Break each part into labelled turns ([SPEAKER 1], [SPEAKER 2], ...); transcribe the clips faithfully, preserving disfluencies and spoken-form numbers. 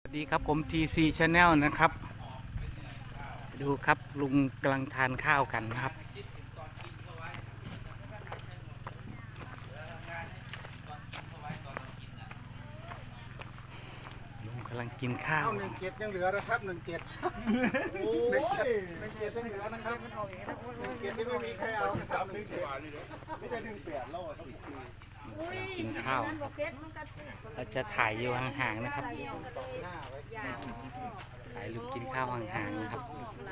[SPEAKER 1] สวัสดีครับผม ที ซี Channel นะครับดูครับลุงกำลังทานข้าวกันนะครับลุงกำลังกินข้าว
[SPEAKER 2] หนึ่งเจ็ดยังเหลือนะครับหนึ่งเจ็ดโอ้ยหนึ่งเจ็ดยังเหลือนะครับหนึ่งเจ็ดยังไม่มีใครเอาจำหนึ่งเจ็ดไม่ได้หนึ่งแปดแล้วต้องอีกที
[SPEAKER 1] กินข้าวเราจะถ่ายอยู่ห่างๆนะครับถ่ายลุงกินข้าวห่างๆนะครับ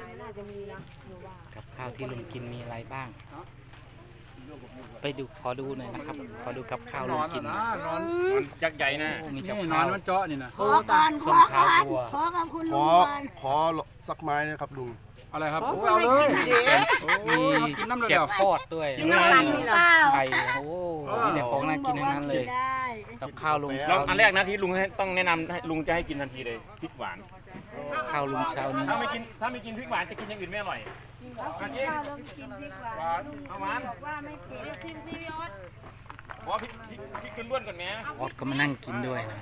[SPEAKER 1] กับข้าวที่ลุงกินมีอะไรบ้าง ไปดูขอดูหน่อยนะครับขอดูกับข้าวลุงกิน
[SPEAKER 3] นอนยักษ์ใหญ่นะ
[SPEAKER 1] มีกับ
[SPEAKER 3] นอ
[SPEAKER 1] ข้าวน
[SPEAKER 3] มันเจาะนี่นะ
[SPEAKER 4] ขอก่อนขอก่อนขอกับคุณ
[SPEAKER 2] ข
[SPEAKER 4] ลุ
[SPEAKER 2] อง
[SPEAKER 4] ก่อน
[SPEAKER 2] ขอสักไม้นะครับลุง
[SPEAKER 3] อะไรครับเอาเลย
[SPEAKER 1] มีเขียบทอดด้วย
[SPEAKER 4] กินน้ำมันหรือเปล่า
[SPEAKER 1] ไข่โอ้มีแต่ของน่ากินทั้งนั้นเลยกับข้าวลุง
[SPEAKER 3] แล้
[SPEAKER 1] เช้าว
[SPEAKER 3] อันแรกนะที่ลุงต้องแนะนำให้ลุงจะให้กินทันทีเลยพริกหวาน
[SPEAKER 1] ข้าวลุงเช้านี้
[SPEAKER 3] ถ้าไม่กินถ้าไม่กินพริกหวานจะกินอย่างอื่นไม่อร่อยอันนี้
[SPEAKER 4] ข้าวลงกินพริกหวาน
[SPEAKER 3] เอาหวาน
[SPEAKER 4] บอกว่าไม่เผ็ดซิมซิพี่ออส
[SPEAKER 3] ขอพริกพริกพริกล้วนๆก่อนแม่
[SPEAKER 1] ออดก็มานั่งกินด้วยนะ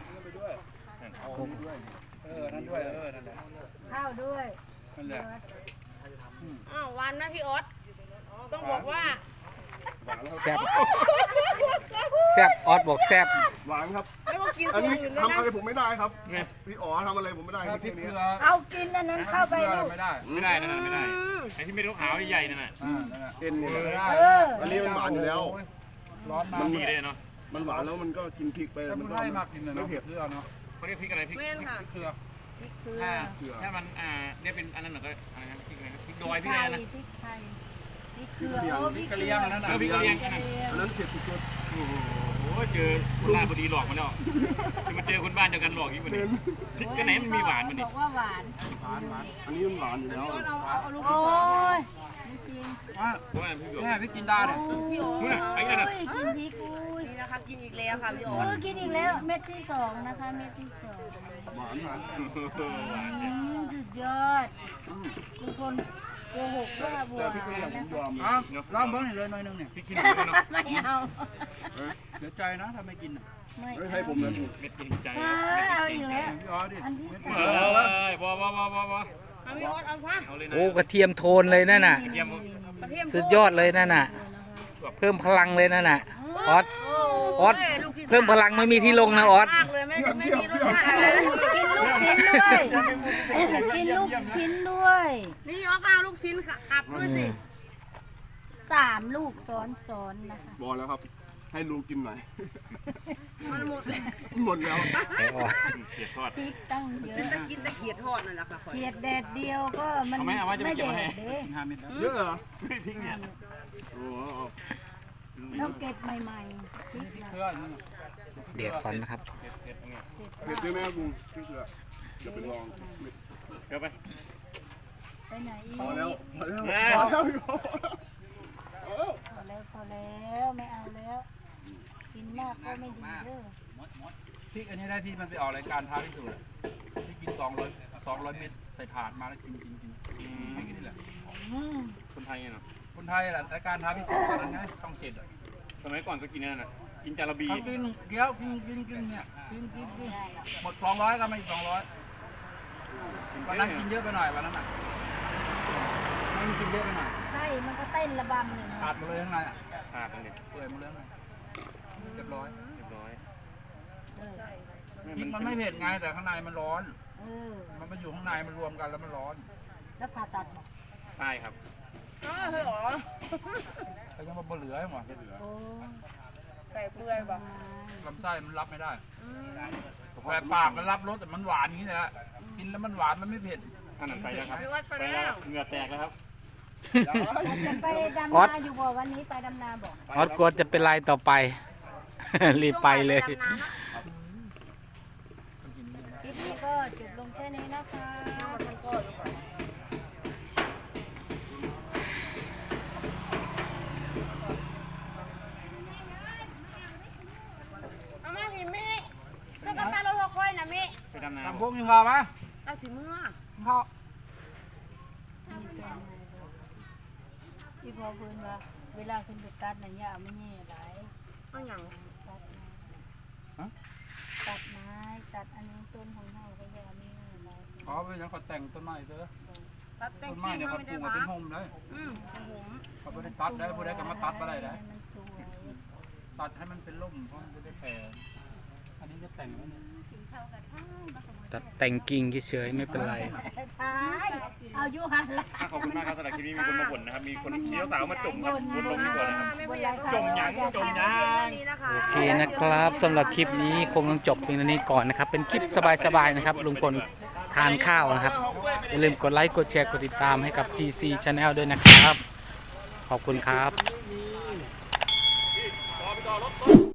[SPEAKER 3] เออนั่นด้วยเออนั่นแหละ
[SPEAKER 4] ข้าวด้วย
[SPEAKER 3] นั่นแหละ
[SPEAKER 5] อ้าววันนะพี่ออสต้องบอกว่า
[SPEAKER 1] แซ่บแซ่บออดบอกแซ่บ
[SPEAKER 2] หวานครับ
[SPEAKER 5] ไม่ว่ากิน
[SPEAKER 2] อัน
[SPEAKER 5] สิ่ง
[SPEAKER 2] นี้
[SPEAKER 5] อื่นเลย
[SPEAKER 2] ทำ
[SPEAKER 5] นะ
[SPEAKER 2] อะไรผมไม่ได้ครับพี่อ๋อทำอะไรผมไม่ได้
[SPEAKER 3] พริก
[SPEAKER 2] นี้
[SPEAKER 3] เกลือ
[SPEAKER 4] เอากินอันนั้นเข้าไปลูก
[SPEAKER 3] ไม่ได้ไม่ได้นั่นไม่ได้ไอ้ที่ไม่รู้ขาวใหญ่นั่นน่ะ
[SPEAKER 2] เอ็นเนี่ย
[SPEAKER 4] เออ
[SPEAKER 2] อันนี้มันหวานอยู่แล้ว
[SPEAKER 3] ร้อนมากมันมีเลยเนาะ
[SPEAKER 2] มันหวานแล้วมันก็กินพริกไป
[SPEAKER 3] ถ้า
[SPEAKER 2] มั
[SPEAKER 3] มัน น
[SPEAKER 2] ก็
[SPEAKER 3] ให้มากกินเลย
[SPEAKER 2] ไม่
[SPEAKER 3] เนาะ
[SPEAKER 2] เผ็ด
[SPEAKER 3] เกลือเนาะเขาเรียกพริกอะไรพริกพริกเกลือ
[SPEAKER 4] พริกเกลือ
[SPEAKER 3] ถ้าถ้ามันอ่าเนี่ยเป็นอันนั้นหน่อยก็อะไรนะพริกอะไรพริกดอยพริก
[SPEAKER 4] ไท
[SPEAKER 3] อะไร
[SPEAKER 4] ย
[SPEAKER 3] นะ
[SPEAKER 4] พริกไทยพริกเกลือโอ้พริกเกลือ
[SPEAKER 3] เออพริกกะเหรี่ยงนั่นน่ะ
[SPEAKER 2] อันนั้นเผ็ดสุด
[SPEAKER 3] โอ้โหเจอคนบ้านพอดีหลอกมันแล้วจะมาเจอคนบ้านเดียวกันหลอกอีกวันนี้พริกก็ไหนมันมีหวานมัน
[SPEAKER 4] บ
[SPEAKER 3] นี่
[SPEAKER 4] อกว่าหวาน
[SPEAKER 2] ๆอันนี้มันหวานอยู่แล้ว
[SPEAKER 4] โอ้ยไม่จริง
[SPEAKER 3] เพราะว่าพริกหยวกแม่พริกจินดาเนี่ย
[SPEAKER 5] พี่ออส
[SPEAKER 3] นู่นน่ะไอ้นั่นน่ะ
[SPEAKER 4] โอ้ยกินพริกอุ้ย
[SPEAKER 5] นี่นะคะกินอีกแล้วค่ะพี่อ
[SPEAKER 4] เอ
[SPEAKER 5] อส
[SPEAKER 4] อกินอีกแล้วเม็ดที่สองนะคะเม็ดที่สอง
[SPEAKER 2] หวานหวาน
[SPEAKER 4] อืมสุดยอดคุณคนโกหกว่าบัว
[SPEAKER 2] แต่พี่ก็ยังผมยอม
[SPEAKER 3] อ้าวลองเบิ้งหน่อยเลยหน่อยนึงเนี่ยพริกขี้หนูเนาะ
[SPEAKER 4] ไม่เอา
[SPEAKER 3] เสียใจนะถ้าไม่กิน
[SPEAKER 4] ไม่
[SPEAKER 2] ไม่ให้ผมนะ
[SPEAKER 3] เม็ดกินใจ
[SPEAKER 4] เออเอาอีกแล้ว
[SPEAKER 3] พี่อ๋อดิ
[SPEAKER 4] อันที่สา
[SPEAKER 3] เอ
[SPEAKER 4] ม
[SPEAKER 3] อบ่บ่บ่บ่บ่
[SPEAKER 5] เอาพี่ออสเอาซะ
[SPEAKER 3] เอาเลยนะ
[SPEAKER 1] โอ้กระเทียมโทนเลยนั่นน่ะ
[SPEAKER 3] เทียม
[SPEAKER 5] กระเทียม
[SPEAKER 1] สุดยอดเลยนั่นน่ะ เพิ่มพลังเลยนั่นน่ะออดออดเพิ่มพลังไม่มีที่ลงนะออด
[SPEAKER 5] มากเลยไม่ไม่มีรสชาติอะไรเลย
[SPEAKER 4] กินลูกชิ้นด้วยกินลูกชิ้นด้วย
[SPEAKER 5] นี่ออสเอาลูกชิ้นค่ะอับด้วยสิ
[SPEAKER 4] สามลูกซ้อนซ้อนๆนะคะ
[SPEAKER 2] บอกแล้วครับ ให้ลุงกินหน่อย
[SPEAKER 5] มันหมดเลย
[SPEAKER 2] หมดแล้ว
[SPEAKER 1] ไอ้ออด
[SPEAKER 3] เขียดทอด
[SPEAKER 4] พริกตั้งเยอะ
[SPEAKER 5] จะกินแต่เขียดทอดนั่นแหละค่ะ
[SPEAKER 4] เขียดแดดเดียวก็มัน
[SPEAKER 3] เอาไหมเอาไว้จะไป
[SPEAKER 4] ไม่
[SPEAKER 3] เก็บ
[SPEAKER 4] แด
[SPEAKER 3] ไว้ให้
[SPEAKER 4] ดเด้
[SPEAKER 3] ห้าเม็ด
[SPEAKER 2] เยอะเหรอ
[SPEAKER 3] พริกเนี่ย
[SPEAKER 2] โอ้โห
[SPEAKER 4] ต้องเก็บใหม่ๆพริกนะ
[SPEAKER 3] เกลือ
[SPEAKER 1] เดือดก่อนนะครับ
[SPEAKER 3] เผ็ดเผ็ดเนี่ย
[SPEAKER 2] เผ็ดด้วยไหมครับลุงพี่เสือจะไปลอง
[SPEAKER 3] เดี๋ยวไป
[SPEAKER 4] ไปไหนอีก
[SPEAKER 2] พอแล้วพอแล้ว
[SPEAKER 3] แม่
[SPEAKER 2] พอแล้วพี่พอแล้ว
[SPEAKER 4] พอแล้วพอแล้วไม่เอาแล้ว กินมากก็ไม่ดีเด้อ
[SPEAKER 3] พริกอันนี้ได้ที่มันไปออกรายการท้าพิสูจน์ที่กินสองร้อยสองร้อยเม็ดใส่ถาดมาแล้วกินกินกินไม่กินนี่แหละ
[SPEAKER 4] อืม
[SPEAKER 3] คนไทยเนาะคนไทยแหละรายการท้าพิสูจน์ตอนนั้นไงช่องเจ็ดอ่ะสมัยก่อนก็กินนั่นน่ะกินจาระบีกินเกี๊ยวกินกินกินเนี่ยกินกินกินหมดสองร้อยก็ไม่สองร้อยวันนั้นกินเยอะไปหน่อยวันนั้นอ่ะมันกินเยอะไปหน่อย
[SPEAKER 4] ไส้มันก็เต้นระบำเลยนะ
[SPEAKER 3] ขาดหมดเลยข้างในอ่ะขาดเลยเปื่อยหมดเลยเรียบร้อยเรียบร้อย
[SPEAKER 4] เออ
[SPEAKER 3] พริกมันไม่เผ็ดไงแต่ข้างในมันร้อน
[SPEAKER 4] เออ
[SPEAKER 3] มันมาอยู่ข้างในมันรวมกันแล้วมันร้อน
[SPEAKER 4] แล้วผ่าตัดบอก
[SPEAKER 3] ใช่ครับ
[SPEAKER 5] อ้าวพี่ออส
[SPEAKER 3] เขายังมาเหลือให้หมด
[SPEAKER 4] โอ้
[SPEAKER 5] ใส่เปลือยบอก
[SPEAKER 3] ลำไส้มันรับไม่ได้แต่ปากมันรับรสแต่มันหวานอย่างนี้แหละกินแล้วมันหวานมันไม่เผ็ดอันนั้นไปแล้วครับ
[SPEAKER 5] พี่ออสไปแล้ว
[SPEAKER 3] เหงื่อแตกแล้วครับ
[SPEAKER 4] จะไปดำนาอยู่บ่วันนี้ไปดำนาบอก
[SPEAKER 1] ออดกลัวจะเป็นไรต่อไป รีบไปเลย
[SPEAKER 5] ดำน้ำนะ
[SPEAKER 4] คลิปนี้ก็จบลงแค่นี้นะคะ
[SPEAKER 5] เอามาสิมิช่วยกับตาเราทอคอยนะมิ
[SPEAKER 3] ไปดำน้ำพวกมีข้าวปะ
[SPEAKER 5] เอาสิเมื่อ
[SPEAKER 3] ข้าว
[SPEAKER 4] พี่พอเพิ่นว่าเวลาคุณไปตัดน่ะอย่าไม่แย่หลาย
[SPEAKER 5] เอาอย่าง
[SPEAKER 4] ตัดไม้ตัดไม้ตัดอันนี้ต้นของเฮาก็อย่ามี
[SPEAKER 3] เขาไปยังเขาแต่งต้นไม้เถอะ
[SPEAKER 5] ตัดแต่ง
[SPEAKER 3] ต้นไม้
[SPEAKER 5] กิ่ง
[SPEAKER 3] เนี่ย
[SPEAKER 5] มา
[SPEAKER 3] เขา
[SPEAKER 5] ไม่
[SPEAKER 3] ปลู
[SPEAKER 5] ได้
[SPEAKER 3] กมา
[SPEAKER 5] มา
[SPEAKER 3] เป็นโฮมเลย
[SPEAKER 5] อืมเป็นผม
[SPEAKER 3] เขาไม่ได้ตัดได้ผู้ใดก็มาตัดมาได้ได้
[SPEAKER 4] มันสวย
[SPEAKER 3] ตัดให้มันเป็นร่มเพราะมันจะได้แผ่อันนี้จะแต่งไว้เนี่ย
[SPEAKER 1] ตัดแต่งกิ่งเฉยๆไม่เป็นไร
[SPEAKER 4] ตายเอาอยู่หันละ
[SPEAKER 6] ขอบคุณมากครับสำหรับคลิปนี้มีคนมาบ่นนะครับ มีคนชี้สาวมาจมครับบนลงดีกว่านะครับ
[SPEAKER 5] ไม่เป็นไรค่ะ
[SPEAKER 6] จมหยังจมหยัง
[SPEAKER 5] นี่นะคะ
[SPEAKER 1] โอเคนะครับสำหรับคลิปนี้คงต้องจบเพียงเท่านี้ก่อนนะครับ เป็นคลิปสบายๆนะครับลุงพลทานข้าวนะครับอย่าลืมกดไลค์กดแชร์กดติดตามให้กับ ที ซี Channel ด้วยนะครับ ขอบคุณครับ